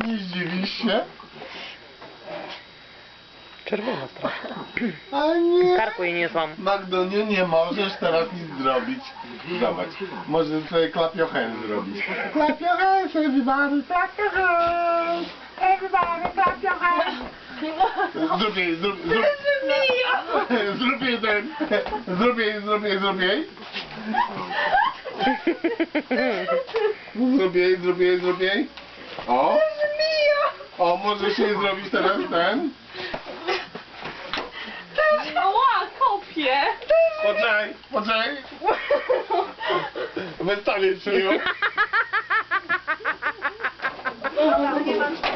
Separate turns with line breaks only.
Nie zdziwisz się?
Czerwona strasznie.
A nie.
Karku jej niosłam.
Magdoniu, nie możesz teraz nic zrobić. Zobacz, może sobie clap your hands zrobić. Clap your hands, everybody, clap your hands. Everybody, clap your hands. Zrób jej, zrób jej ten. Zrób jej. Zrób jej. O. O, możesz jej zrobić teraz ten.
Ała, kopie!
Poczekaj. Wystawię ci ją.
Nie mam